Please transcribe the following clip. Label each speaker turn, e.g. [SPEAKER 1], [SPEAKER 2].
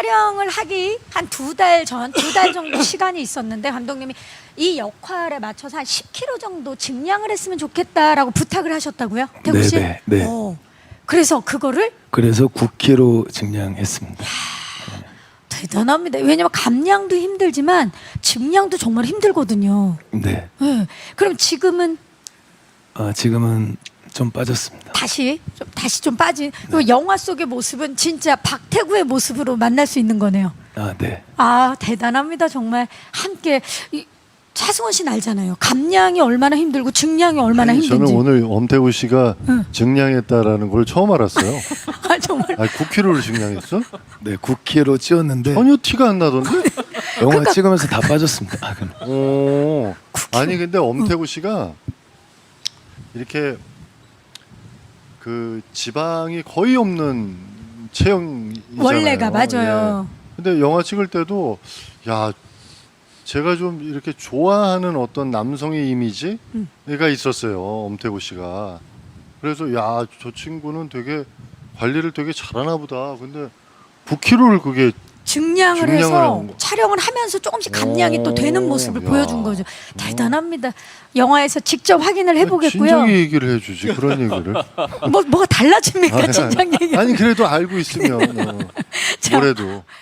[SPEAKER 1] 촬영을 하기 한 2달 전, 2달 정도 시간이 있었는데 감독님이 이 역할에 맞춰서 한 10kg 정도 증량을 했으면 좋겠다라고 부탁을 하셨다고요? 태국 씨?
[SPEAKER 2] 네네, 네.
[SPEAKER 1] 그래서 그거를
[SPEAKER 2] 그래서 9kg 증량했습니다.
[SPEAKER 1] 대단합니다. 왜냐면 감량도 힘들지만 증량도 정말 힘들거든요.
[SPEAKER 2] 네.
[SPEAKER 1] 네. 그럼 지금은
[SPEAKER 2] 지금은 좀 빠졌습니다.
[SPEAKER 1] 다시 좀 빠진 그 영화 속의 모습은 진짜 박태구의 모습으로 만날 수 있는 거네요.
[SPEAKER 2] 네.
[SPEAKER 1] 아 대단합니다. 정말 함께 차승원 씨는 알잖아요. 감량이 얼마나 힘들고 증량이 얼마나 힘든지.
[SPEAKER 3] 저는 오늘 엄태구 씨가
[SPEAKER 1] 응.
[SPEAKER 3] 증량했다라는 걸 처음 알았어요.
[SPEAKER 1] 아 정말.
[SPEAKER 3] 9kg를 증량했어?
[SPEAKER 2] 네, 9kg 찌웠는데
[SPEAKER 3] 전혀 티가 안 나던데?
[SPEAKER 2] 영화 찍으면서 다 빠졌습니다.
[SPEAKER 3] 오. 아니 근데 엄태구 씨가 이렇게 그 지방이 거의 없는 체형이잖아요.
[SPEAKER 1] 원래가 맞아요.
[SPEAKER 3] 예. 근데 영화 찍을 때도 야 제가 좀 이렇게 좋아하는 어떤 남성의 이미지가 있었어요. 엄태구 씨가. 그래서 야 저 친구는 되게 관리를 되게 잘하나 보다. 근데 9kg를 그게
[SPEAKER 1] 증량을
[SPEAKER 3] 증량을
[SPEAKER 1] 해서
[SPEAKER 3] 하는 거.
[SPEAKER 1] 촬영을 하면서 조금씩 감량이 또 되는 모습을
[SPEAKER 3] 야.
[SPEAKER 1] 보여준 거죠. 대단합니다. 영화에서 직접 확인을 해보겠고요.
[SPEAKER 3] 진작에 얘기를 해주지 그런 얘기를.
[SPEAKER 1] 뭐가 달라집니까 진작 얘기?
[SPEAKER 3] 아니 그래도 알고 있으면
[SPEAKER 1] 자,
[SPEAKER 3] 뭐래도.